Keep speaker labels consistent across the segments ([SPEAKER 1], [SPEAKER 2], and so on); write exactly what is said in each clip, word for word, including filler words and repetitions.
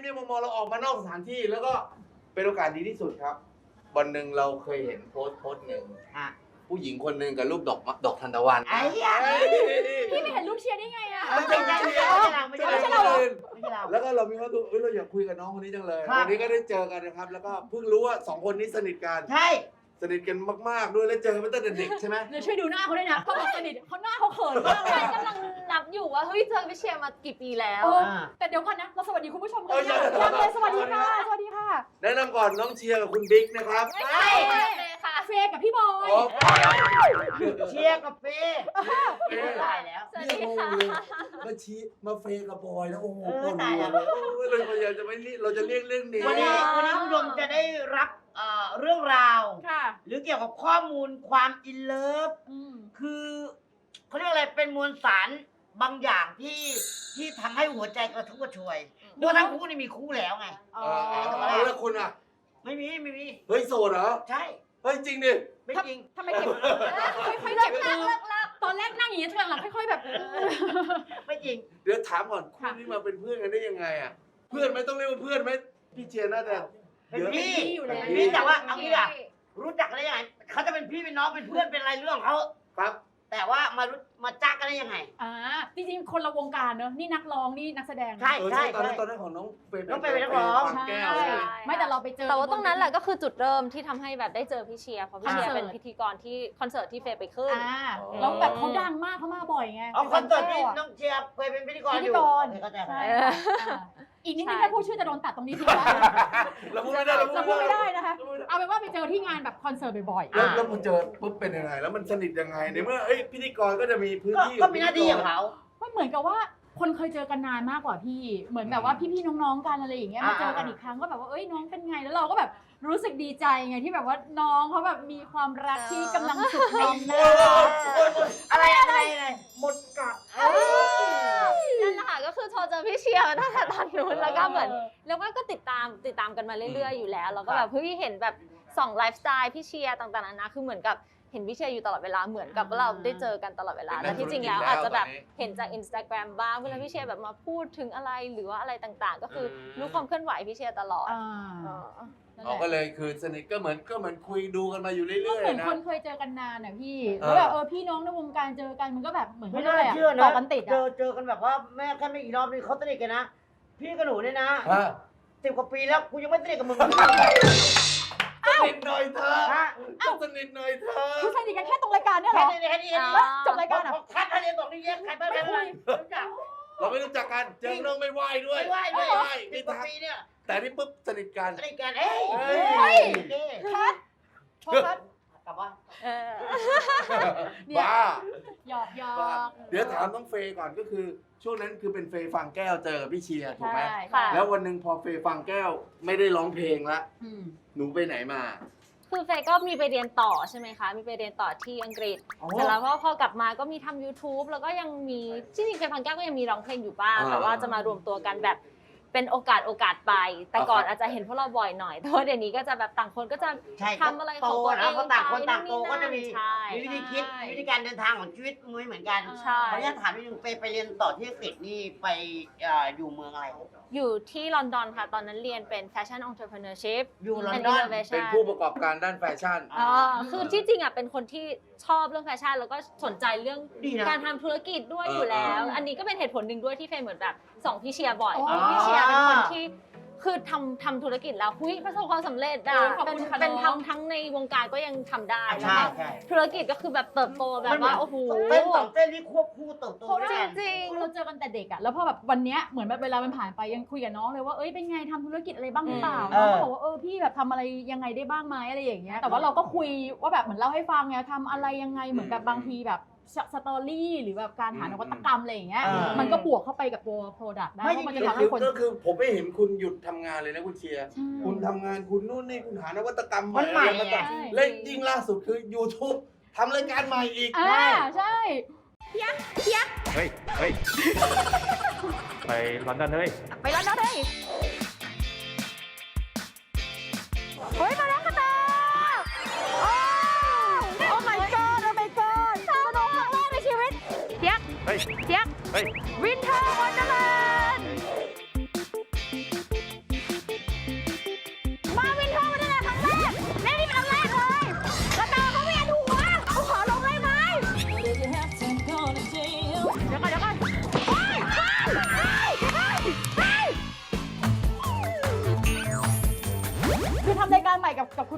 [SPEAKER 1] มีมุมมองเราออกมานอกสถานที่แล้วก็เป็นโอกาสดีที่สุดครับวันหนึ่งเราเคยเห็นโพสต์โพสต์หนึ่งผู้หญิงคนหนึ่งกับรูปดอกดอกทานตะวัน
[SPEAKER 2] ไอ้ยา
[SPEAKER 3] พี่ไม่เห็นรูปเชียร์ได้ไงอะ
[SPEAKER 2] ไม่ใช่ไม่ใช่เราไม่ใช่เราไม่ใช่เราไม่ใช่เรา
[SPEAKER 1] แล้วก็เรามีความรู้สึกเอ้ยเราอยากคุยกับน้องคนนี้จังเลยวันนี้ก็ได้เจอกันนะครับแล้วก็เพิ่งรู้ว่าสองคนนี้สนิทกัน
[SPEAKER 2] ใช่
[SPEAKER 1] สนิทกันมากๆด้วยแล้วเจอกันมาตั้งแต่เด็กใช่ไหม
[SPEAKER 3] เดี๋ยวช่วยดูหน้าเขาด้วยนะเขาบอกสนิทเขาหน้าเขาเขินมากเลย
[SPEAKER 4] กำลังนับอยู่ว่าเฮ้ยเจอพี่เชียร์มากี่ปีแล้ว
[SPEAKER 3] เออแต่เดี๋ยวก่อนนะเราสวัสดีคุณผู้ชมกันยังยังเลยสวัสดีค่ะสวัสดีค่ะ
[SPEAKER 1] แนะนำก่อนน้องเชียร์กับคุณบิ๊กนะครับ
[SPEAKER 4] ไม่ใช่เลยค่ะ
[SPEAKER 3] เฟย์กับพี่บอย
[SPEAKER 1] อ๋อ
[SPEAKER 2] เชียร์กับเฟ่ตายแล้ว
[SPEAKER 4] สวัส
[SPEAKER 1] นี่
[SPEAKER 4] ดี
[SPEAKER 1] งง
[SPEAKER 4] ค่ะ
[SPEAKER 1] เลยมาชี้มาเฟย์กับบอยแล้วโอ้โห
[SPEAKER 2] เออ
[SPEAKER 1] ปวด
[SPEAKER 2] ตาย
[SPEAKER 1] หั
[SPEAKER 2] แล้ว ว
[SPEAKER 1] เลยเราพยายามจะไม่เรียกเราจะเรียกเรื่องนี้
[SPEAKER 2] วันนี้วันนี้คุณผู้ชมจะได้รับเอ่อเรื่องราว
[SPEAKER 3] ค่ะ
[SPEAKER 2] หรือเกี่ยวกับข้อมูลความอินเลิฟ
[SPEAKER 3] อืม
[SPEAKER 2] คือเขาเรียกอะไรเป็นมวลสารบางอย่างที่ที่ทำให้หัวใจกระทุ่มกระชวยเพราะทั้งคู่นี่มีคู่แล้วไง
[SPEAKER 3] อ๋
[SPEAKER 1] เอ
[SPEAKER 3] อ
[SPEAKER 1] อเอาแล้วคุณอ่ะ
[SPEAKER 2] ไม่มีไม่มี
[SPEAKER 1] เฮ้ยโสดเหรอ
[SPEAKER 2] ใช่
[SPEAKER 1] เฮ้ยจริงดิ
[SPEAKER 2] ไม่จริง
[SPEAKER 3] ทำไมเก็บค่อยๆเก็บมือตอนแรกนั่งอย่างนี้ช่วงหลังค่อยๆแบบ
[SPEAKER 2] ไม่จริง
[SPEAKER 1] เดี๋ยวถามก่อนคู่นี้มาเป็นเพื่อนกันได้ยังไงอ่ะเพื่อนไหมต้องเรียกว่าเพื่อนไหมพี่เชียร์น่าจะ
[SPEAKER 2] เป็นพี่
[SPEAKER 3] อยู่แล้ว
[SPEAKER 2] เป็นพี่แต่ว่าเอางี้อะรู้จักกันได้ยังไงเขาจะเป็นพี่เป็นน้องเป็นเพื่อนเป็นอะไรเรื่องของเขา
[SPEAKER 1] ครับ
[SPEAKER 2] แต่ว่ามารู้มาจ้ากันได้ยังไง
[SPEAKER 3] อ่าจริงๆคนละวงการเนอะนี่นักร้องนี่นักแสดง
[SPEAKER 2] ใช่
[SPEAKER 1] เออใช่ตอนนั้นตอนนั้นของน้องเฟย์
[SPEAKER 2] น้องเฟย์เป็นนักร้อง
[SPEAKER 1] ฟัแก้ว
[SPEAKER 3] ใช่
[SPEAKER 1] ใช่ไหม
[SPEAKER 3] ไม่แต่เราไปเจอ
[SPEAKER 4] แต่ว่าตรงนั้นแหละก็คือจุดเริ่มที่ทำให้แบบได้เจอพี่เชียร์เพราะพี่เชียร์
[SPEAKER 3] คอนเสิร์ต
[SPEAKER 4] เป็นพิธีกรที่คอนเสิร์ตที่เฟย์ไปขึ้น
[SPEAKER 3] อ่าแล้วแบบเขาดังมากเขามาบ่อยไง
[SPEAKER 2] เอาคอนเสิร์ตที่
[SPEAKER 3] แก้วะ
[SPEAKER 2] น้องเชียร์เคยเป็นพิธีกร
[SPEAKER 3] พิ
[SPEAKER 2] อ
[SPEAKER 3] ธี
[SPEAKER 2] ยู่
[SPEAKER 3] กร
[SPEAKER 2] เข้าใจไหม
[SPEAKER 3] ใช่
[SPEAKER 4] เออ
[SPEAKER 3] อ่าอีกนิดนึง
[SPEAKER 4] ใช่
[SPEAKER 3] ถ้าพูดชื่อจะโดนตัดตรงนี้ทิ้งแล้ว
[SPEAKER 1] เราพูดไม่ได้
[SPEAKER 3] เราพูดไม่ได้นะคะ เอาเป็นว่าไปเจอที่งานแบบคอนเสิร์ตบ่อยๆ
[SPEAKER 1] แล้วแล้วพอเจอปุ๊บเป็นยังไงแล้วมันสนิทยังไงในเมื่อเอ้ยพิธีกรก็จะมีพื้น
[SPEAKER 2] ก็
[SPEAKER 1] ที่
[SPEAKER 2] ก็มีหน้าที่ของเขา
[SPEAKER 3] มันเหมือนกับว่าคนเคยเจอกันนานมากกว่าพี่ เหมือนแบบว่าพี่ๆน้องๆกันอะไรอย่างเงี้ยมาเจอกันอีกครั้งก็แบบว่าเอ้ยน้องเป็นไงแล้วเราก็แบบรู้สึกดีใจไงที่แบบว่าน้องเขาแบบมีความรักที่กำลังสุขใน
[SPEAKER 2] โอ้ยโอ้ยโอ้ยอะไรอะไรอะไรหมดกัด
[SPEAKER 4] นั่นแหละค่ะก็คือโทรเจอพี่เชียร์มาตั้งแต่ตอนนู้นแล้วก็เหมือนแล้วก็ติดตามติดตามกันมาเรื่อยๆอยู่แล้วแล้วก็แบบเฮ้ยเห็นแบบส่องไลฟ์สไตล์พี่เชียร์ต่างๆนานาคือเหมือนกับเห็นพี่เชียร์อยู่ตลอดเวลาเหมือนกับว่าเราได้เจอกันตลอดเวลาแต่ที่จริงแล้วอาจจะแบบเห็นจาก Instagram บ้างเวลาพี่เชียร์แบบมาพูดถึงอะไรหรือว่าอะไรต่างๆ ก็คือรู้ความเคลื่อนไหวพี่เชียร์ตลอด
[SPEAKER 3] อ่า
[SPEAKER 4] เออ
[SPEAKER 3] นั่น
[SPEAKER 1] อ๋อ
[SPEAKER 3] แห
[SPEAKER 1] ก็
[SPEAKER 3] ละ
[SPEAKER 1] เลยคือสนิทก็เหมือนก็เหมือนคุยดูกันมาอยู่เรื่
[SPEAKER 3] ก็
[SPEAKER 1] อย
[SPEAKER 3] เหมือน
[SPEAKER 1] ๆนะ
[SPEAKER 3] คนเคยเจอกันนานอ่ะพี่
[SPEAKER 1] เออ
[SPEAKER 3] แล้วแบบเออพี่น้องในวงการเจอกันมันก็แบบเหมือน
[SPEAKER 2] ไม่
[SPEAKER 3] เขา
[SPEAKER 2] น่า
[SPEAKER 3] เรียก
[SPEAKER 2] เชื่อ
[SPEAKER 3] อะไร
[SPEAKER 2] นะ
[SPEAKER 3] ต่อกันติด
[SPEAKER 2] เจ
[SPEAKER 3] อ่ะ
[SPEAKER 2] อเจอกันแบบว่าแม่แค่ไม่กี่รอบนี่เขาสนิทกันนะ พี่กับหนูเนี่ยนะ
[SPEAKER 1] ฮะ
[SPEAKER 2] สิบกว่าปีแล้วกูยังไม่สนิทกับมึง
[SPEAKER 1] สนิทหน่อยเธอ
[SPEAKER 2] ฮะ
[SPEAKER 1] ต้องสนิทหน่อยเธอ
[SPEAKER 3] คือสนิทกันแค่ตรงรายการเนี่ยเหร
[SPEAKER 2] แค่
[SPEAKER 3] อ
[SPEAKER 2] นี้แค่นี้แค่นี้
[SPEAKER 3] แล้วจบรายการอ่ะ
[SPEAKER 2] คัดคะแนนบอกนี่แยกใครบ้างใครบ้างรู้จัก
[SPEAKER 1] เราไม่รู้จักกันเจอน้องไม่ไหวด้วย
[SPEAKER 2] ไม่ไหวด้วย
[SPEAKER 1] ไม่ไหว
[SPEAKER 2] สิ
[SPEAKER 1] ไม่
[SPEAKER 2] บกว่า
[SPEAKER 1] ทัก
[SPEAKER 2] ปีเนี่ย
[SPEAKER 1] แต่นี่ปุ๊บสนิทกัน
[SPEAKER 2] สนิทกันเอ้ย
[SPEAKER 1] เฮ้ย
[SPEAKER 2] เฮ้ยเฮ้ย
[SPEAKER 3] คัดโทษคัด
[SPEAKER 2] กลับบ้าน
[SPEAKER 4] เออ
[SPEAKER 3] เนี่ย
[SPEAKER 1] บ้า
[SPEAKER 3] หยอกหยอ
[SPEAKER 1] บ้าก เดี๋ยวถามน้องเฟย์ก่อนก็คือ ช่วงนั้นคือเป็นเฟย์ฟังแก้วเจอกับพี่เชียร์ถูกไหม
[SPEAKER 3] ใช่
[SPEAKER 4] ค่ะ
[SPEAKER 1] แล้ววันหนึ่งพอเฟย์ฟังแก้วไม่ได้ร้องเพลงละ
[SPEAKER 3] อืม
[SPEAKER 1] หนูไปไหนมา
[SPEAKER 4] คือเฟย์ก็มีไปเรียนต่อใช่ไหมคะ มีไปเรียนต่อที่อังกฤษ เสร็จแล้วพอพอกลับมาก็มีทำ YouTube แล้วก็ยังมีจริงๆเฟย์ฟังแก้วก็ยังมีร้องเพลงอยู่บ้าง
[SPEAKER 1] อ่า
[SPEAKER 4] แต่ว่าจะมารวมตัวกันแบบเป็นโอกาสโอกาสไป แต่ก่อนอาจจะเห็นพวกเราบ่อยหน่อย แต่ว่าเดี๋ยวนี้ก็จะแบบต่างคนก็จะ
[SPEAKER 2] ใช่
[SPEAKER 4] ทำอะไรของ
[SPEAKER 2] โต
[SPEAKER 4] ตัวเอ
[SPEAKER 2] นะ
[SPEAKER 4] ง
[SPEAKER 2] เพราะต่างคนต่างโตก็จะมี
[SPEAKER 4] ใช่
[SPEAKER 2] มีวิธีคิดวิธีการเดินทางของชีวิตไม่เหมือนกัน
[SPEAKER 4] ใช่
[SPEAKER 2] ขออนุญาตถามนิดนึงไปไปเรียนต่อที่อังกฤษนี่ไปเอ่ออยู่เมืองอะไร
[SPEAKER 4] อยู่ที่ลอนดอนค่ะ ตอนนั้นเรียนเป็น Fashion Entrepreneurship
[SPEAKER 2] อยู่ลอน
[SPEAKER 4] and
[SPEAKER 2] ดอน
[SPEAKER 4] Innovation
[SPEAKER 1] เป็นผู้ประกอบการด้านแฟชั่น
[SPEAKER 4] อ๋อคือที่จริงอ่ะเป็นคนที่ชอบเรื่องแฟชั่นแล้วก็สนใจเรื่อง
[SPEAKER 2] ดีนะ
[SPEAKER 4] การทำธุรกิจด้วย
[SPEAKER 1] เออ
[SPEAKER 4] อยู่แล้ว
[SPEAKER 3] เอออั
[SPEAKER 4] อันนี้ก็เป็นเหตุผลหนึ่งด้วยที่เฟย์เหมือนแบบส่องพี่เชียร์บ่อย
[SPEAKER 3] อ๋อ
[SPEAKER 4] พี่เชียร์เป็นคนที่คือทำทำธุรกิจแล้วหุ้ยประสบความสำเร็จอ่ะ
[SPEAKER 3] โอ้ยขอบ
[SPEAKER 4] เป็น
[SPEAKER 3] คุณค่ะ
[SPEAKER 4] เป็น
[SPEAKER 3] น้อง
[SPEAKER 4] ทำทั้งในวงการก็ยังทำได้แล้ว
[SPEAKER 2] ใช่
[SPEAKER 4] ก็
[SPEAKER 2] ใช่
[SPEAKER 4] ธุรกิจก็คือแบบเติบโตแบบว่าโอ้โห
[SPEAKER 2] เต้นสองเต้นที่ควบคู่เติบโต
[SPEAKER 3] เพราะ
[SPEAKER 2] ด้
[SPEAKER 3] ว่า
[SPEAKER 2] วยกัน
[SPEAKER 4] จริง
[SPEAKER 3] เราเจอกันแต่เด็กอะแล้วพอแบบวันเนี้ยเหมือนแบบเวลามันผ่านไปยังคุยกับน้องเลยว่าเอ้ยเป็นไงทำธุรกิจอะไรบ้างหรือเปล่า
[SPEAKER 2] เอ
[SPEAKER 3] น้อง
[SPEAKER 2] อ
[SPEAKER 3] ก็บอกว่าเออพี่แบบทำอะไรยังไงได้บ้างไหมอะไรอย่างเงี้ยแต่ว่าเราก็คุยว่าแบบเหมือนเล่าให้ฟังไงทำอะไรยังไงเหมือนกับบางทีแบบสตอรี่หรือแบบการหานวัตกรรมอะไรอย่างเงี้ย
[SPEAKER 2] เออ
[SPEAKER 3] มันก็บวกเข้าไปกับตัว Product ได้
[SPEAKER 2] ไม่
[SPEAKER 3] เพราะมันจะ
[SPEAKER 1] ก็
[SPEAKER 3] ทำ
[SPEAKER 1] คื
[SPEAKER 3] ให้
[SPEAKER 1] อ
[SPEAKER 3] คน
[SPEAKER 1] ก็คือผมไม่เห็นคุณหยุดทำงานเลยนะคุณเชียร์
[SPEAKER 3] ใช่
[SPEAKER 1] คุณทำงานคุณนู่นนี่คุณหานวัตกรรม
[SPEAKER 2] มันใหม่
[SPEAKER 1] อะไรมา
[SPEAKER 2] ไง
[SPEAKER 1] ต่างเล่นยิ่งล่าสุดคือ YouTube ทำรายการใหม่อีก
[SPEAKER 3] อ่าใช่
[SPEAKER 5] เฮ้ย เฮ้ย ไปลอนดอนเฮ้ย
[SPEAKER 3] ไปแล้วนะเฮ้ยเฮ้ยมาแล้วกันนะโอ้ Oh my god Oh my god สนุกครั้งแรกในชีวิตเทียก
[SPEAKER 5] เฮ้ย
[SPEAKER 3] เทียก
[SPEAKER 5] เฮ้ย
[SPEAKER 3] วินเทอร์วันเดอร์แลนด์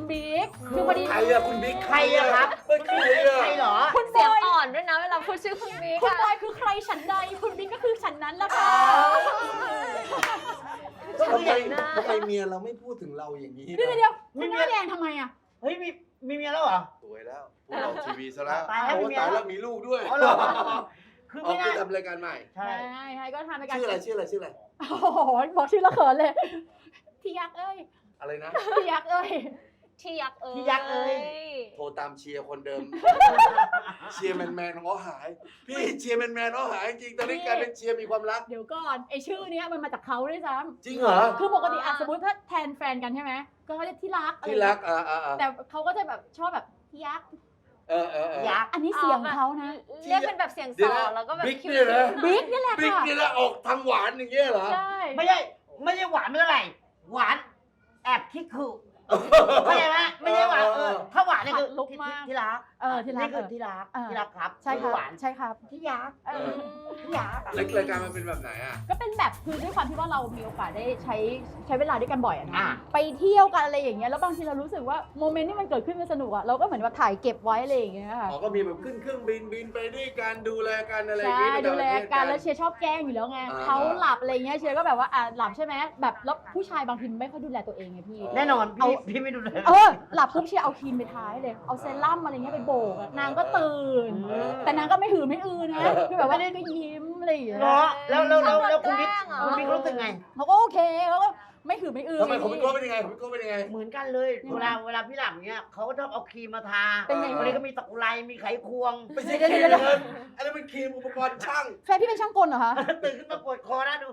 [SPEAKER 3] บิ๊กคือพอดี
[SPEAKER 1] ใครอะคุณบิ๊ก
[SPEAKER 2] ใครอะครับ
[SPEAKER 1] เป็นใครอะ
[SPEAKER 2] ใครเหรอ
[SPEAKER 3] คุณบ
[SPEAKER 4] เสียง
[SPEAKER 3] อย
[SPEAKER 4] อ่อนด้วยนะเวลาพูดชื่อคุณบิ๊ก
[SPEAKER 3] คุณ
[SPEAKER 4] อะ
[SPEAKER 3] บอยคือใครฉันใดคุณบิ๊กก็คือฉันนั้นละค่ะ
[SPEAKER 2] ก็คือ
[SPEAKER 1] ทำ
[SPEAKER 2] อ
[SPEAKER 1] ไม
[SPEAKER 2] ย่าง
[SPEAKER 1] ทำไมเมียเราไม่พูดถึงเราอย่างนี้
[SPEAKER 3] เดี๋ยว
[SPEAKER 1] นะ
[SPEAKER 3] เดี๋ยวคุณหน้าแดงทำไมอ่ะ
[SPEAKER 2] เฮ้ยมีมีเมียแล้วเหรอ
[SPEAKER 1] สวยแล้วพูดออกทีวีซะแล้ว
[SPEAKER 2] ตายแล้ว
[SPEAKER 1] โอ้
[SPEAKER 2] มีเมีย
[SPEAKER 1] ตาย
[SPEAKER 2] แล้
[SPEAKER 1] แล้ว วมีลูกด้วย
[SPEAKER 2] อ๋อเหรอคือ
[SPEAKER 1] ออ
[SPEAKER 2] ไม่
[SPEAKER 1] กไป
[SPEAKER 2] น่า
[SPEAKER 1] ทำรายการใหม่
[SPEAKER 2] ใช่
[SPEAKER 3] ใช่ใช่ก็ทำไปกัน
[SPEAKER 1] ชื่ออะไรชื่ออะไรชื่ออะไร
[SPEAKER 3] โอ้โหบอกชื่อแล้วเขินเลยที่ยักษ์เอ้ย
[SPEAKER 1] อะไรนะ
[SPEAKER 3] ที่ยักษ์เอ้ย
[SPEAKER 4] ที่ยักษ์เอ้ย
[SPEAKER 2] ที่ยักษ์เอ้ย
[SPEAKER 1] โทรตามเชียร์คนเดิม เชียร์แมนแมนเขาหาย พี่เชียร์แมนแมนเขาหายจริงตอนนี้กลายเป็นเชียร์มีความรัก
[SPEAKER 3] เดี๋ยวก่อนไอชื่อเนี้ยมันมาจากเขาด้วยซ้
[SPEAKER 1] จริงเหรอ
[SPEAKER 3] ำคือปกติอ่ะสมมติถ้าแทนแฟนกันใช่ไหมก็เขาจะที่รักอะไร
[SPEAKER 1] ที่รักอ่าอ่าอ่า
[SPEAKER 3] แต่เขาก็จะแบบชอบแบบที่ยักษ์
[SPEAKER 1] เออเออเออ
[SPEAKER 2] ยักษ์
[SPEAKER 3] อันนี้เสียงเขานะ
[SPEAKER 4] เรียกเป็นแบบเสียง
[SPEAKER 1] เดี๋
[SPEAKER 4] ส
[SPEAKER 1] ยว
[SPEAKER 4] อ
[SPEAKER 1] นะ
[SPEAKER 4] นแล้วก็แบบ
[SPEAKER 1] บิ๊ก
[SPEAKER 4] คิ้ว
[SPEAKER 1] เนี่ยนะ
[SPEAKER 3] บิ๊กนี่แหละ
[SPEAKER 1] บิ๊ก
[SPEAKER 3] ค่ะ
[SPEAKER 1] นี่แหละออกทางหวานอย่างเงี้ยเหรอ
[SPEAKER 3] ใช่
[SPEAKER 2] ไม่ใช่ไม่ใช่หวานไม่เท่าไหร่หวานแอบคิดคือเข้าใจไหมไม่ใช่หวานเออถ้าหวานนี่คือ
[SPEAKER 3] ลุกมาก
[SPEAKER 2] ที่รัก
[SPEAKER 3] เออที่รัก
[SPEAKER 2] นี่คือที่รัก
[SPEAKER 3] เออ
[SPEAKER 2] ที่รักครับ
[SPEAKER 3] ใช่ครับ
[SPEAKER 2] หวาน
[SPEAKER 3] ใช่ครับ
[SPEAKER 2] ที่ยักษ์
[SPEAKER 3] เออ
[SPEAKER 2] ที่ยักษ์
[SPEAKER 1] แล้วรายการมันเป็นแบบไหนอ่ะ
[SPEAKER 3] ก็เป็นแบบคือด้วยความที่ว่าเรามีโอกาสได้ใช้ใช้เวลาด้วยกันบ่อยอะนะ
[SPEAKER 2] อ่า
[SPEAKER 3] ไปเที่ยวกันอะไรอย่างเงี้ยแล้วบางทีเรารู้สึกว่าโมเมนต์ที่มันเกิดขึ้นมันสนุกอะเราก็เหมือนว่าถ่ายเก็บไว้อะไรอย่างเงี้ยค่ะ
[SPEAKER 1] อ๋อก็มีแบบขึ้นเครื่องบินบินไปด้วยกันดูแลกันอะไรอย่าง
[SPEAKER 3] ใช่
[SPEAKER 1] งี้ไป
[SPEAKER 3] ดู
[SPEAKER 1] ต่างป
[SPEAKER 3] แล
[SPEAKER 1] ระเทศ
[SPEAKER 3] กันแล้วเชียร์ชอบแกล้งอยู่แล้วไง
[SPEAKER 1] อ่า
[SPEAKER 3] เขาหลับอะไรเงี้ยเชียร์ก็แบบว่าอ่ะหลับใช่ไหมแบบแล้วผู้ชายบางทีไม่ค่อยดูแลตัวเองไงพี่
[SPEAKER 2] แน่นอน
[SPEAKER 3] เอา
[SPEAKER 2] พี่พี่ไม่ดูเลย
[SPEAKER 3] เออหลับปุ๊บเชียร์เอาครีมไปทาให้เลยเอาเซรั่มอะไรเงี้ยไปโบกอะนางก็ตื่น
[SPEAKER 1] เออ
[SPEAKER 3] แต่นางก็ไม่หือไม่อือนะคือแบบว่าก็ยิ้มอะไรอย่างเงี้ย
[SPEAKER 2] เนาะแล้วแล้วแล้วแล้วคุณ
[SPEAKER 4] ชอบโดน
[SPEAKER 2] บิ๊ก
[SPEAKER 4] แกล้งเหรอ
[SPEAKER 2] คุณบิ๊กรู้สึกไง
[SPEAKER 3] เขาก็โอเคเขาก็ไม่หือไม่อือ
[SPEAKER 1] ทำไมผมเป็นโก้เป็นยังไงผมเป็นโก้เป็นยังไง
[SPEAKER 2] เหมือนกันเลย เวลาเวลาพี่หลับเนี้ยเขาก็ชอบเอาครีมมาทา
[SPEAKER 3] เป็นไง
[SPEAKER 2] วันนี้ก็มีตะกุไรมีไขควง
[SPEAKER 1] ไม่ใช่ครีมเงินอันนั้นเป็นครีมอุปกรณ์ช่าง
[SPEAKER 3] แฟนพี่เป็นช่างกลเหรอคะ
[SPEAKER 2] ตื่นขึ้นมาปวดคอนะดู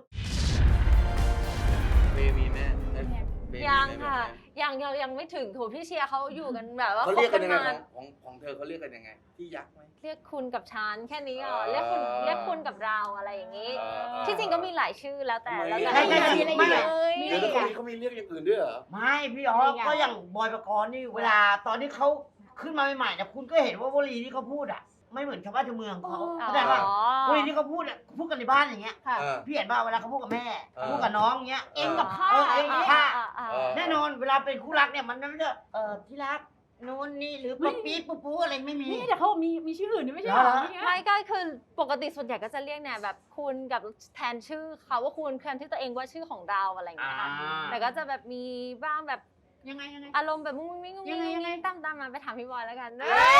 [SPEAKER 1] เมย์มีแม่เอ้ยเมย์มี
[SPEAKER 4] ยัง
[SPEAKER 1] แม่
[SPEAKER 4] ค่ะ
[SPEAKER 1] แบบไหน
[SPEAKER 4] ยังยังยังไม่ถึงโถพี่เชียร์เขาอยู่กันแบบว่า
[SPEAKER 1] เขา
[SPEAKER 4] ค
[SPEAKER 1] เรี
[SPEAKER 4] บ
[SPEAKER 1] ยกกันยังไง
[SPEAKER 4] มา
[SPEAKER 1] ของของของเธอเขาเรียกกันยังไง ที่ยักษ์ไหม
[SPEAKER 4] เรียกคุณกับฉันแค่นี้เหรอ
[SPEAKER 1] เออ
[SPEAKER 4] เรียกคุณเรียกคุณกับเราอะไรอย่างนี้
[SPEAKER 1] เออ
[SPEAKER 4] ที่จริงก็มีหลายชื่อแล้วแต่
[SPEAKER 1] ไม่
[SPEAKER 4] แล้วแต่
[SPEAKER 2] ใช่ใช่
[SPEAKER 3] มีอะไร
[SPEAKER 2] ไม่
[SPEAKER 3] อีก
[SPEAKER 4] เอ้ย
[SPEAKER 1] เดี๋ยวแล้วคนนี้เขามีเรียกอย่างอื่นด้วยเหรอ
[SPEAKER 2] ไม่พี่อ๋อก็อย่างบอยประกรณ์นี่เวลาตอนที่เขาขึ้นมาใหม่ๆเนี่ยคุณก็เห็นว่าวลีที่เขาพูดอ่ะ ไม่เหมือนชาวบ้านชาวเมืองเขา
[SPEAKER 3] อ๋อ
[SPEAKER 2] เข้าใจป่ะ
[SPEAKER 4] อ๋อ
[SPEAKER 2] วลีที่เขาพูดอ่ะพูดกันในบ้านอย่างเงี้ย
[SPEAKER 3] ค่ะ
[SPEAKER 1] เออ
[SPEAKER 2] พี่เห็นป่ะเวลาเขาพูดกับแม่
[SPEAKER 1] เออ
[SPEAKER 2] พูดกับน้องเงี้ย
[SPEAKER 3] เองกับข้า
[SPEAKER 2] เออเองกับข้า
[SPEAKER 4] อ่อ่อ่
[SPEAKER 1] เออ
[SPEAKER 2] แน่นอนเวลาเป็นคู่รักเนี่ยมันไม่ได้เออที่รักนู่นนี่หรือป๊อปปี้ปุ๊บปุ๊อะไรไม่มี
[SPEAKER 3] นี่แต่เขามีมีชื่ออื่นด้วยไม่ใช่เหรอ
[SPEAKER 2] เหรอ
[SPEAKER 3] เนี่ย
[SPEAKER 4] ไม่ก็คือปกติส่วนใหญ่ก็จะเรียกเนี่ยแบบคุณกับแทนชื่อเขาว่าคุณแทนที่ตัวเองว่าชื่อของเราอะไรอย่างเงี้ยค่ะ
[SPEAKER 2] อ่า
[SPEAKER 4] แต่ก็จะแบบมีบ้างแบบ
[SPEAKER 3] ยังไงยังไง
[SPEAKER 4] อารมณ์แบบมุ้งมิ้งมุ้งมิ้ง
[SPEAKER 3] ยังไงยังไง
[SPEAKER 4] ตามตามมาไปถามพี่บอยแล้วกัน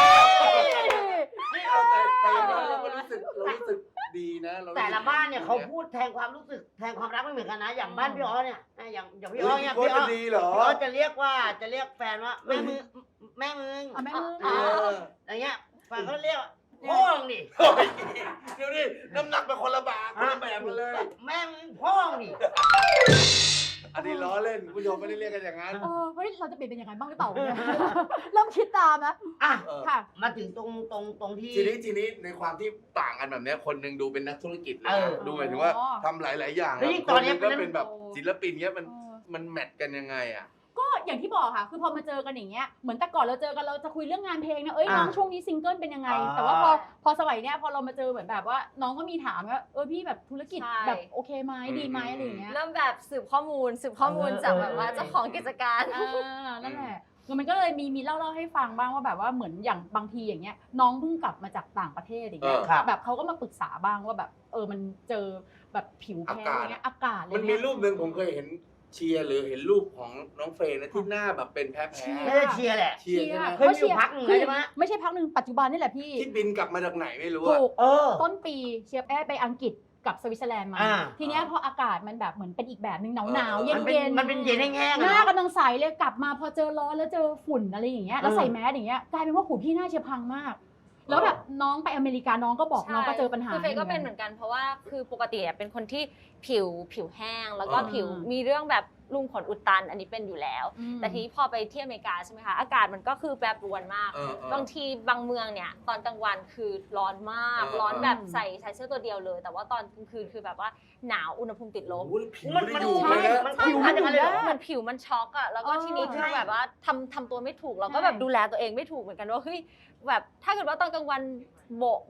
[SPEAKER 1] นี่เอาแต่แต่อย่างน้อยเราก็รู้สึกเรารู้สึกดีนะเรารู้สึก
[SPEAKER 2] แต่ละบ้านเนี่ย
[SPEAKER 1] ดี
[SPEAKER 2] เขาพูดแทนความรู้สึกแทนความรักไม่เหมือนกันนะ อย่างบ้านพี่อ๋อเนี่ยนะอย่างอย่างพี่
[SPEAKER 1] เฮ้
[SPEAKER 2] อ๋อย เนี่ย
[SPEAKER 1] พี่
[SPEAKER 2] พี่
[SPEAKER 1] โก้
[SPEAKER 2] อ๋อ
[SPEAKER 1] จะดีเหรอ
[SPEAKER 2] พี่อ๋อจะเรียกว่าจะเรียกแฟนว่าแม่มึงแม่มึง
[SPEAKER 3] เอาแม่มือ
[SPEAKER 1] เออ
[SPEAKER 2] อย่างเงี้ยแฟนเขาเรียกว่าพ่อมึงดิ
[SPEAKER 1] เฮ้ยเดี๋ยวนี้น้ำหนักเป็นคนละบาทคนละแบบกันเลย
[SPEAKER 2] แม่มึงพ่อมึงดิ
[SPEAKER 1] อันนี้ล้อเล่นคุณผู้ชมไม่ได้เรียกกันอย่างนั้น
[SPEAKER 3] เออเฮ้ยเราจะเปลี่ยนเป็นยังไงบ้างหรือเปล่าเนี่ย เริ่มคิดตามนะ
[SPEAKER 2] อ่ะ
[SPEAKER 1] เออ
[SPEAKER 3] ค่ะ
[SPEAKER 2] มาถึงตรงตรงตรงที่
[SPEAKER 1] ทีนี้ทีนี้ในความที่ต่างกันแบบเนี้ยคนหนึงดูเป็นนักธุรกิจเลย
[SPEAKER 2] เอ
[SPEAKER 1] นะ
[SPEAKER 2] อ
[SPEAKER 1] ดูหมายถึงว่า
[SPEAKER 3] อ๋อ
[SPEAKER 1] ทำหลาย ๆ อย่าง
[SPEAKER 2] แล้วยิ่ง
[SPEAKER 1] ค
[SPEAKER 2] ตอน นเนี้
[SPEAKER 1] หนึ
[SPEAKER 2] ย
[SPEAKER 1] งก็เป็นแบบ
[SPEAKER 3] โอ้
[SPEAKER 1] ศิลปินเนี้ยมัน
[SPEAKER 3] เออ
[SPEAKER 1] มันแมทกันยังไงอ่ะ
[SPEAKER 3] ก็อย่างที่บอกค่ะ คือพอมาเจอกันอย่างเงี้ย เหมือนแต่ก่อนเราเจอกันเราจะคุยเรื่องงานเพลงนะ เอ้ยน้อง
[SPEAKER 2] อ่า
[SPEAKER 3] ช่วงนี้ซิงเกิลเป็นยังไง
[SPEAKER 2] อ่า
[SPEAKER 3] แต่ว่าพอพอสมัยเนี้ยพอเรามาเจอเหมือนแบบว่า น้องก็มีถามว่าเออพี่แบบธุรกิจ
[SPEAKER 4] ใช่
[SPEAKER 3] แบบโอเคไหม
[SPEAKER 1] อืม
[SPEAKER 3] ดีไหมอะไรอย่างเงี้ย
[SPEAKER 4] เริ่มแบบสืบข้อมูลสืบข้อมูล
[SPEAKER 2] เออ
[SPEAKER 4] จาก
[SPEAKER 2] เออ
[SPEAKER 4] แบบว่า
[SPEAKER 2] เออ
[SPEAKER 4] เจ้าของกิจการ
[SPEAKER 3] อ่านั่นแหละคือมันก็เลยมีมีเล่าเล่าให้ฟังบ้างว่าแบบว่าเหมือนอย่างบางทีอย่างเงี้ย น้องเพิ่งกลับมาจากต่างประเทศอย่างเงี้ย
[SPEAKER 1] เออ
[SPEAKER 2] ครับ
[SPEAKER 3] แบบเขาก็มาปรึกษาบ้างว่าแบบเออมันเจอแบบผิวแพ้อะไรเงี้ยอากาศอะไร
[SPEAKER 1] มันมี
[SPEAKER 3] เงี้ย
[SPEAKER 1] รูปหนึ่งผมเคยเห็นเชียร์หรือเห็นรูปของน้องเฟย์นะที่หน้าแบบเป็นแพ้
[SPEAKER 3] เชียร์
[SPEAKER 1] แพ้
[SPEAKER 2] ไม่ได้เชียร์แหละ
[SPEAKER 1] เชียร์ใช่ไหม
[SPEAKER 2] เคยมีอยู่พักหนึ่ง
[SPEAKER 3] คือ
[SPEAKER 2] ใช่ไหม
[SPEAKER 3] ไม่ใช่พักหนึ่งปัจจุบันนี่แหละพี่
[SPEAKER 1] ที่บินกลับมาจากไหนไม่รู้
[SPEAKER 3] ถู
[SPEAKER 1] อะ
[SPEAKER 3] ก
[SPEAKER 2] เออ
[SPEAKER 3] ต้นปีเชียร์แอร์ไปอังกฤษกับสวิตเซอร์แลนด์มา
[SPEAKER 2] อ่า
[SPEAKER 3] ทีเนี้ยพออากาศมันแบบเหมือนเป็นอีกแบบหนึงหนาวหนาว
[SPEAKER 1] เออ
[SPEAKER 3] เย็น
[SPEAKER 2] มันเป็น
[SPEAKER 3] เย็น
[SPEAKER 2] มันเป็นเย็นแห้งๆ
[SPEAKER 3] ห
[SPEAKER 2] อะ
[SPEAKER 3] น้า
[SPEAKER 2] เนาะ
[SPEAKER 3] กำลังใสเลยกลับมาพอเจอร้อนแล้วเจอฝุ่นอะไรอย่างเงี้ยแล้ว
[SPEAKER 2] เออ
[SPEAKER 3] ใส่แมสอย่างเงี้ยกลายเป็นว่าหูพี่หน้าเชียร์พังมาก แล้วแบบน้องไปอเมริกาน้องก็บอกน้องก็เจอปัญหา
[SPEAKER 4] คือเฟย์ก็เป็นเหมือนกันเพราะว่าคือปกติอะเป็นคนที่ผิวผิวแห้ง แล้วก็
[SPEAKER 1] อ่า
[SPEAKER 4] ผิวมีเรื่องแบบรุมขนอุดตันอันนี้เป็นอยู่แล้ว
[SPEAKER 3] อืม
[SPEAKER 4] แต่ทีนี้พอไปที่อเมริกาใช่ไหมคะอากาศมันก็คือแปรปรวนมาก
[SPEAKER 1] เออเออ
[SPEAKER 4] บางทีบางเมืองเนี่ยตอนกลางวันคือร้อนมาก
[SPEAKER 1] เออ
[SPEAKER 4] ร้อนแบบ
[SPEAKER 3] อืม
[SPEAKER 4] ใส่ใส่เสื้อตัวเดียวเลย แต่ว่าตอนกลางคืนคือแบบว่าหนาวอุณหภูมิติดล
[SPEAKER 1] โอ้
[SPEAKER 4] บ
[SPEAKER 1] โหผิว
[SPEAKER 2] มัน
[SPEAKER 1] ไม่
[SPEAKER 2] มัน
[SPEAKER 1] ได้อยู่
[SPEAKER 2] ใช่
[SPEAKER 1] เลยนะ
[SPEAKER 2] มัน
[SPEAKER 3] ผิว
[SPEAKER 2] ผิวมันอย่างนั้นเลยเหรอ
[SPEAKER 4] เหมือนผิวมันช็อกอะแล้วก็
[SPEAKER 3] เออ
[SPEAKER 4] ทีนี้คือ
[SPEAKER 2] ใช่
[SPEAKER 4] แบบว่าทำทำตัวไม่ถูกเราก็
[SPEAKER 3] ใช่
[SPEAKER 4] แบบดูแลตัวเองไม่ถูกเหมือนกันว่าเฮ้ยแบบถ้าเกิดว่าตอนกลางวันโบกแบบ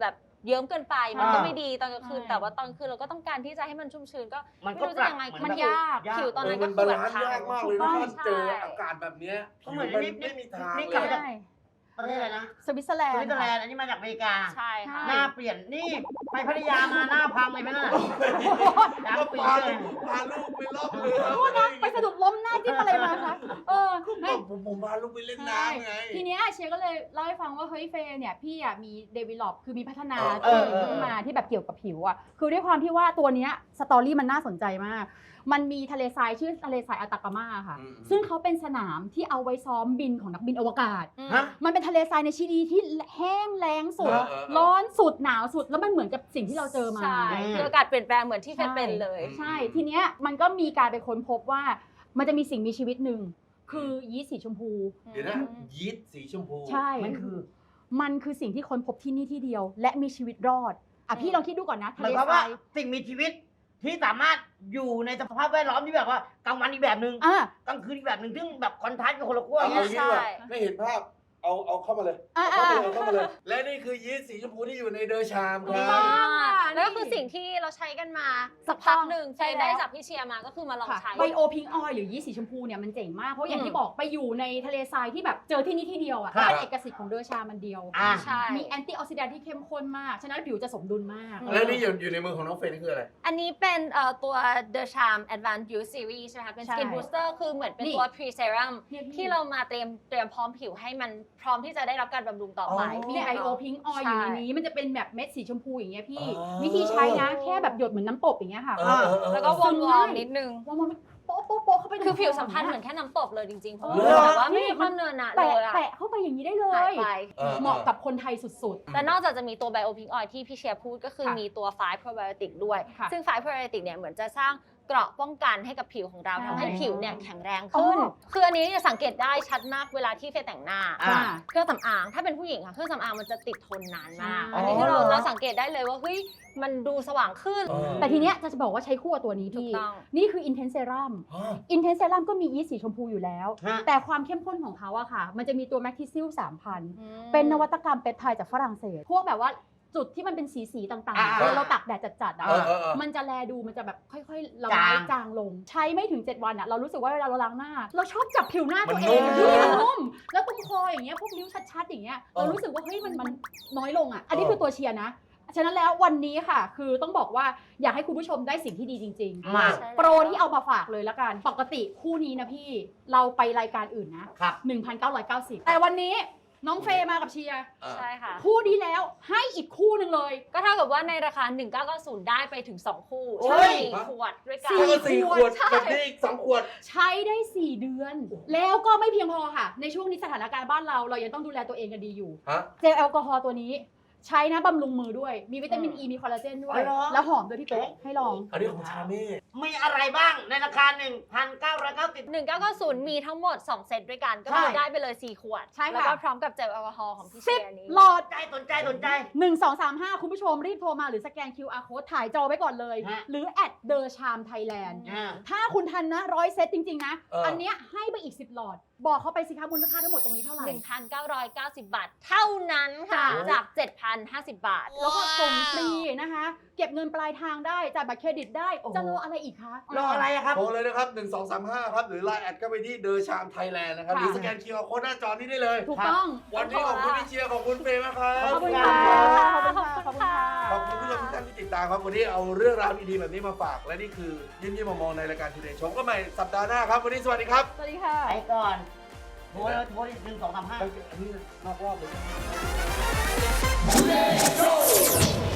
[SPEAKER 4] เยิ้มเกินไปมันก็
[SPEAKER 2] อ่า
[SPEAKER 4] ไม่ดีตอนกลางคืน
[SPEAKER 3] ใช่
[SPEAKER 4] แต่ว่าตอนกลางคืนเราก็ต้องการที่จะให้มันชุ่มชื้นก็
[SPEAKER 2] มัน
[SPEAKER 4] ไม่
[SPEAKER 2] ก็
[SPEAKER 4] รู้
[SPEAKER 2] ป
[SPEAKER 4] จะ
[SPEAKER 2] รับ
[SPEAKER 4] ยังไง
[SPEAKER 2] เหมือน
[SPEAKER 4] มัน
[SPEAKER 3] มันยาก
[SPEAKER 4] ผิวตอนนั้น
[SPEAKER 1] เออ
[SPEAKER 4] ก็
[SPEAKER 1] มัน
[SPEAKER 4] คื
[SPEAKER 1] บา
[SPEAKER 4] อแบบ
[SPEAKER 1] ลานซ์
[SPEAKER 4] ทาง
[SPEAKER 1] ยากมากเลยนะถ้าเจอ
[SPEAKER 4] ใช่
[SPEAKER 1] อากาศแบบเนี้ย
[SPEAKER 2] ก็เหมือน
[SPEAKER 1] มัน
[SPEAKER 2] นี่
[SPEAKER 1] ไม่มีทาง
[SPEAKER 2] นี่
[SPEAKER 1] เล
[SPEAKER 2] กลับ
[SPEAKER 1] ย
[SPEAKER 2] มาจาก
[SPEAKER 3] ใช่
[SPEAKER 2] ประเทศอะไรนะ
[SPEAKER 3] สวิตเซอร์แล
[SPEAKER 2] ส
[SPEAKER 3] น
[SPEAKER 2] วิต
[SPEAKER 3] ด์
[SPEAKER 2] เซอร์แลนด์อันนี้มาจากอเมริกา
[SPEAKER 4] ใช่ค่ะ
[SPEAKER 2] หน้าเปลี่ยนนี่ไปพัทยามาหน้าพังเลยไหมน่ะ
[SPEAKER 1] ก็
[SPEAKER 2] ดำปี
[SPEAKER 1] พา
[SPEAKER 2] เล
[SPEAKER 1] ลู
[SPEAKER 2] ย
[SPEAKER 1] กพาลูกไปล่องเรือ
[SPEAKER 3] โทษนะไปสะดุดล้มหน้าจิ้มอะไรมาคะเออ
[SPEAKER 1] ก็ผมผมพาลูกไปเล่นน้ำไง
[SPEAKER 3] ทีเนี้ยเชยก็เลยเล่าให้ฟังว่าเฮ้ยเฟย์เนี่ยพี่อ่ะมีเดเวล็อปคือมีพัฒนา
[SPEAKER 1] เออ
[SPEAKER 3] ตัว
[SPEAKER 2] เออ
[SPEAKER 3] ขึ้นมาที่แบบเกี่ยวกับผิวอ่ะคือด้วยความที่ว่าตัวเนี้ยสตอรี่มันน่าสนใจมาก มันมีทะเลทรายชื่อทะเลทรายอัตากามาค่ะ
[SPEAKER 1] อืม
[SPEAKER 3] ซึ่งเขาเป็นสนามที่เอาไว้ซ้อมบินของนักบินอวกาศ
[SPEAKER 4] อืม
[SPEAKER 2] ฮะ
[SPEAKER 3] มันเป็นทะเลทรายในชิลีที่แห้งแล้งสุด
[SPEAKER 1] เออเออเออ
[SPEAKER 3] ร้อนสุดหนาวสุดแล้วมันเหมือนกับสิ่งที่เราเจอมา
[SPEAKER 4] ใช่คืออากาศเปลี่ยนแปลงเหมือนที่เฟซเป็นเลย
[SPEAKER 3] ใช่ ทีเนี้ยมันก็มีการไปค้นพบว่ามันจะมีสิ่งมีชีวิตหนึ่งคือยีสต์สีชมพู
[SPEAKER 1] เดี๋ยวนะยีสต์สีชมพู
[SPEAKER 3] ใช่
[SPEAKER 2] มันคือ
[SPEAKER 3] มันคือสิ่งที่ค้นพบที่นี่ที่เดียว และมีชีวิตรอด อ่ะพี่ลองคิดดูก่อนนะ
[SPEAKER 2] ห
[SPEAKER 3] ทะ
[SPEAKER 2] มาย
[SPEAKER 3] เล
[SPEAKER 2] ความ
[SPEAKER 3] ท
[SPEAKER 2] ว่า
[SPEAKER 3] ราย
[SPEAKER 2] สิ่งมีชีวิตที่สามารถอยู่ในสภาพแวดล้อมที่แบบว่ากลางวันอีกแบบหนึ่ง
[SPEAKER 3] อ่ะ
[SPEAKER 2] กลางคืนอีกแบบหนึ่งซึ่งแบบคอนทราสต์กับคนละขั้ว
[SPEAKER 1] เอา
[SPEAKER 2] อย่าง
[SPEAKER 1] เอา
[SPEAKER 2] เงี้ย
[SPEAKER 1] งี้ดีกว่า
[SPEAKER 4] ใช่
[SPEAKER 1] ไม่เห็นภาพ เอาเอาเข้ามาเลย
[SPEAKER 3] อ่ะ
[SPEAKER 1] เอา
[SPEAKER 3] อ่ะ
[SPEAKER 1] เข้ามาเลยเอาเข้ามาเลย และนี่คือยีสต์สีชมพูที่อยู่ในเดอชามค
[SPEAKER 3] ถู
[SPEAKER 1] รั
[SPEAKER 3] กต้
[SPEAKER 1] บ
[SPEAKER 3] อง
[SPEAKER 4] แล้วก็คือสิ่งที่เราใช้กันมาสักพักหนึ่ง
[SPEAKER 3] ใช่
[SPEAKER 4] เฟซ
[SPEAKER 3] แล้ว
[SPEAKER 4] ได้จากพี่เชียร์มาก็คือมาลอง
[SPEAKER 3] ค่ะ
[SPEAKER 4] ใช้
[SPEAKER 3] ไบโอพิงออยหรือยีสต์สีชมพูเนี่ยมันเจ๋งมาก เพราะอย่าง
[SPEAKER 4] อืม
[SPEAKER 3] ที่บอกไปอยู่ในทะเลทรายที่แบบเจอที่นี่ที่เดียวอ่ะ
[SPEAKER 2] ครับ
[SPEAKER 3] เป็นเอกสิทธิ์ของเดอชามันเดียว
[SPEAKER 2] อ่ะ
[SPEAKER 4] ใช่
[SPEAKER 3] มีแอนตี้ออกซิแดนท์ที่เข้มข้นมาก ฉะนั้นผิวจะสมดุลมาก
[SPEAKER 1] และนี่อยู่อยู่ในมือของน้องเฟรนนี่คืออะไร
[SPEAKER 4] อันนี้เป็นเอ่อตัว The Charm Advanced Youth Series ใช่ไหมคะเป็น
[SPEAKER 3] ใช่
[SPEAKER 4] Skin Booster คือเหมือนเป็น
[SPEAKER 3] นี่
[SPEAKER 4] ตัว Pre Serum
[SPEAKER 3] เนี่ยพี่
[SPEAKER 4] ที่เรามาเตรียมเตรียมพร้อมผิวให้มันพร้อมที่จะได้รับการบำรุงต่อไป
[SPEAKER 1] อ๋อ
[SPEAKER 3] มีไอโอพิงออยอยู่ใน
[SPEAKER 4] ใช่
[SPEAKER 3] นี้มันจะเป็นแบบเม็ดสีชมพูอย่างเงี้ยพี่
[SPEAKER 1] อ๋อ
[SPEAKER 3] วิธีใช้นะแค่แบบหยดเหมือนน้ำตบอย่างเงี้ยค่ะ
[SPEAKER 1] เออเออเออ
[SPEAKER 4] แล้วก็ว
[SPEAKER 3] ซึ
[SPEAKER 4] อร์
[SPEAKER 3] ม
[SPEAKER 4] ม
[SPEAKER 3] ง่าย
[SPEAKER 4] ๆนิดนึง
[SPEAKER 3] ว่ามันโป๊ะโป๊ะโป๊ะเข้าไปใน
[SPEAKER 4] คือผิวสัมผัส
[SPEAKER 3] ค
[SPEAKER 4] เห
[SPEAKER 3] อ
[SPEAKER 4] มือนแค่น้ำตบเลยจริงๆ เพราะ
[SPEAKER 3] เอ
[SPEAKER 4] ว่า
[SPEAKER 3] อ
[SPEAKER 4] แบบว่าไม่
[SPEAKER 3] นี่
[SPEAKER 4] มีความเนินหนะเล
[SPEAKER 3] แตะ
[SPEAKER 4] ยอะ
[SPEAKER 3] แตะเข้าไปอย่างนี้ได้เล
[SPEAKER 4] หาย
[SPEAKER 3] ย
[SPEAKER 4] ไป
[SPEAKER 1] เออ
[SPEAKER 3] เหมาะกับคนไทยสุด
[SPEAKER 4] แต่นอกจากจะมีตัว Bio Pink Oil ที่พี่เชียร์พูดก็คือ
[SPEAKER 3] ค่ะ
[SPEAKER 4] มีตัว Five Probiotic ด้วย
[SPEAKER 3] ค่ะ
[SPEAKER 4] ซึ่ง Five Probiotic เนี่ยเหมือนจะสร้างเกราะป้องกันให้กับผิวของเรา
[SPEAKER 3] ใช่
[SPEAKER 4] ทำให้ผิวเนี่ยแข็งแรง
[SPEAKER 3] อ๋
[SPEAKER 4] ขึ้น
[SPEAKER 3] อ
[SPEAKER 4] คืออันนี้เนี่ยสังเกตได้ชัดมากเวลาที่เฟยแต่งหน้า
[SPEAKER 2] อ่า
[SPEAKER 4] เครื่องสำอางถ้าเป็นผู้หญิงค่ะเครื่องสำอางมันจะติดทนนานมาก
[SPEAKER 3] ใช่
[SPEAKER 4] อันนี้คือเรา
[SPEAKER 2] อ๋อเหรอ
[SPEAKER 4] เราสังเกตได้เลยว่าเฮ้ยมันดูสว่างขึ้น
[SPEAKER 1] เออ
[SPEAKER 3] แต่ทีเนี้ยจะบอกว่าใช้คู่กับตัวนี้
[SPEAKER 4] ถูก
[SPEAKER 3] พี่
[SPEAKER 4] ต้อง
[SPEAKER 3] นี่คือ Intense Serum
[SPEAKER 1] ฮะ
[SPEAKER 3] Intense Serum ก็มียีสต์สีชมพูอยู่แล้ว
[SPEAKER 2] ฮะ
[SPEAKER 3] แต่ความเข้มข้นของเขาอะค่ะ มันจะมีตัว Mactisil สามพัน
[SPEAKER 4] อืม
[SPEAKER 3] เป็นนวัตกรรมเปปไทด์จากฝรั่งเศส พวกแบบว่าจุดที่มันเป็นสีสีๆต่าง
[SPEAKER 2] อ่า
[SPEAKER 3] ๆเวลาเราตักแดดจัดๆอะ
[SPEAKER 1] เออเออเออ
[SPEAKER 3] มันจะแลดูมันจะแบบค่อยๆละลาย
[SPEAKER 2] จาง
[SPEAKER 3] จางลง ใช้ไม่ถึง เจ็ด วันอะเรารู้สึกว่าเวลาเราล้างหน้า เราชอบจับผิวหน้าตัว
[SPEAKER 1] มัน
[SPEAKER 3] เอง
[SPEAKER 1] นุ่ม
[SPEAKER 3] ที่มันนุ่มแล้วตรงคออย่างเงี้ยพวกริ้วชัดๆอย่างเงี้ยเรารู้สึกว่าเฮ้ยมันมันน้อยลงอะอันนี้คือตัวเชียร์นะ ฉะนั้นแล้ววันนี้ค่ะ คือต้องบอกว่าอยากให้คุณผู้ชมได้สิ่งที่ดีจริง ๆ
[SPEAKER 2] มา
[SPEAKER 4] ใช่
[SPEAKER 3] โปรที่เอามาฝากเลยละกัน ปกติคู่นี้นะพี่ เราไปรายการอื่นนะ
[SPEAKER 2] ครับ
[SPEAKER 3] หนึ่งพันเก้าร้อยเก้าสิบ แต่วันนี้น้องเฟย์มากับเชียร์
[SPEAKER 4] ใช่ค่ะ
[SPEAKER 3] คู่นี้แล้วให้อีกคู่หนึ่งเลย
[SPEAKER 4] ก็เท่ากับว่าในราคา หนึ่งพันเก้าร้อยเก้าสิบ ได้ไปถึง สอง คู่
[SPEAKER 2] โอ้
[SPEAKER 4] ใช่
[SPEAKER 2] ย
[SPEAKER 4] ขวดด้วยกั
[SPEAKER 3] สี่
[SPEAKER 4] น
[SPEAKER 1] แล้วก็สี่ขวด
[SPEAKER 4] ใช่
[SPEAKER 1] แบบนี้อีกสองขวด
[SPEAKER 3] ใช้ได้ สี่ เดือน แล้วก็ไม่เพียงพอค่ะ ในช่วงนี้สถานการณ์บ้านเราเรายังต้องดูแลตัวเองกันดีอยู่
[SPEAKER 1] ฮะ
[SPEAKER 3] เจลแอลกอฮอล์ตัวนี้ ใช้นะบำรุงมือด้วย มีวิตามิน
[SPEAKER 2] อืม
[SPEAKER 3] อีมีคอลลาเจนด้วย
[SPEAKER 2] อ๋อเหรอ
[SPEAKER 3] แล้วหอมด้วยพี่เป๊กให้ลอง
[SPEAKER 1] อันนี้ของชาเม่
[SPEAKER 2] มีอะไรบ้างในราคา หนึ่งพันเก้าร้อยเก้าสิบ
[SPEAKER 4] หนึ่งพันเก้าร้อยเก้าสิบ มีทั้งหมด สอง เซตด้วยกัน ก็
[SPEAKER 2] ใช่
[SPEAKER 4] คือได้ไปเลย สี่ ขวด
[SPEAKER 3] ใช่ค่ะ
[SPEAKER 4] แล้วก็พร้อมกับเจลแอลกอฮอล์ของพี่เชี
[SPEAKER 3] สิบ
[SPEAKER 4] ยร์นี้
[SPEAKER 3] หลอด
[SPEAKER 2] ใจสนใจสนใจ
[SPEAKER 3] หนึ่ง สอง สาม ห้า คุณผู้ชมรีบโทรมาหรือสแกน คิว อาร์ Code ถ่ายจอไว้ก่อนเลย
[SPEAKER 2] ฮะ
[SPEAKER 3] หรือแอดเดอร์ชามไทยแลนด์
[SPEAKER 2] อ่า
[SPEAKER 3] ถ้าคุณทันนะร้อยเซตจริง ๆ นะ
[SPEAKER 1] เอออั
[SPEAKER 3] อันเนี้ยให้ไปอีก สิบ หลอด บอกเขาไปสิคะมูลค่าทั้งหมดตรงนี้เท่าไหร่
[SPEAKER 4] หนึ่งพันเก้าร้อยเก้าสิบ บาท เท่านั้นค่ะ
[SPEAKER 3] จ้ะ
[SPEAKER 4] จาก เจ็ดพันห้าสิบ บาท
[SPEAKER 3] แล้วก็ส่งฟรีนะคะ เก็บเงินปลายทางได้จ่ายบัตรเครดิตได้
[SPEAKER 2] โอ้โห
[SPEAKER 3] จะรออะไรอีกคะ
[SPEAKER 2] รออะไรอะครับ
[SPEAKER 1] โทรเลยนะครับ หนึ่ง สอง สาม ห้า ครับ หรือไลน์แอดก็ไปที่เดอชามไทยแลนด์นะครับ
[SPEAKER 3] ค่ะ
[SPEAKER 1] หรือสแกนคิวอาร์โค้ดหน้าจอนี้ได้เลย
[SPEAKER 3] ถูกต้อง
[SPEAKER 1] วันนี้ขอบคุณพี่เชียร์ขอบคุณเฟย์มากครับ
[SPEAKER 3] ขอบคุณ
[SPEAKER 2] ข
[SPEAKER 3] ค่ะ
[SPEAKER 2] อบคุณ
[SPEAKER 3] ขอบคุณค่ะขอบคุณค่ะ
[SPEAKER 1] ขอบคุณผู้ชมทุกท่านที่ติดตามครับ วันนี้เอาเรื่องราวดีๆแบบนี้มาฝาก และนี่คือยิ้มยิ้มมองๆในรายการทูเดย์โชว์ก็ใหม่สัปดาห์หน้าครับ วันนี้สวัสดีครับ
[SPEAKER 3] สวัสดีค่ะ
[SPEAKER 2] ไปก่อนโทรเลยโทรหนึ่งสองสามห้า
[SPEAKER 1] อันนี้นอกรอบเลย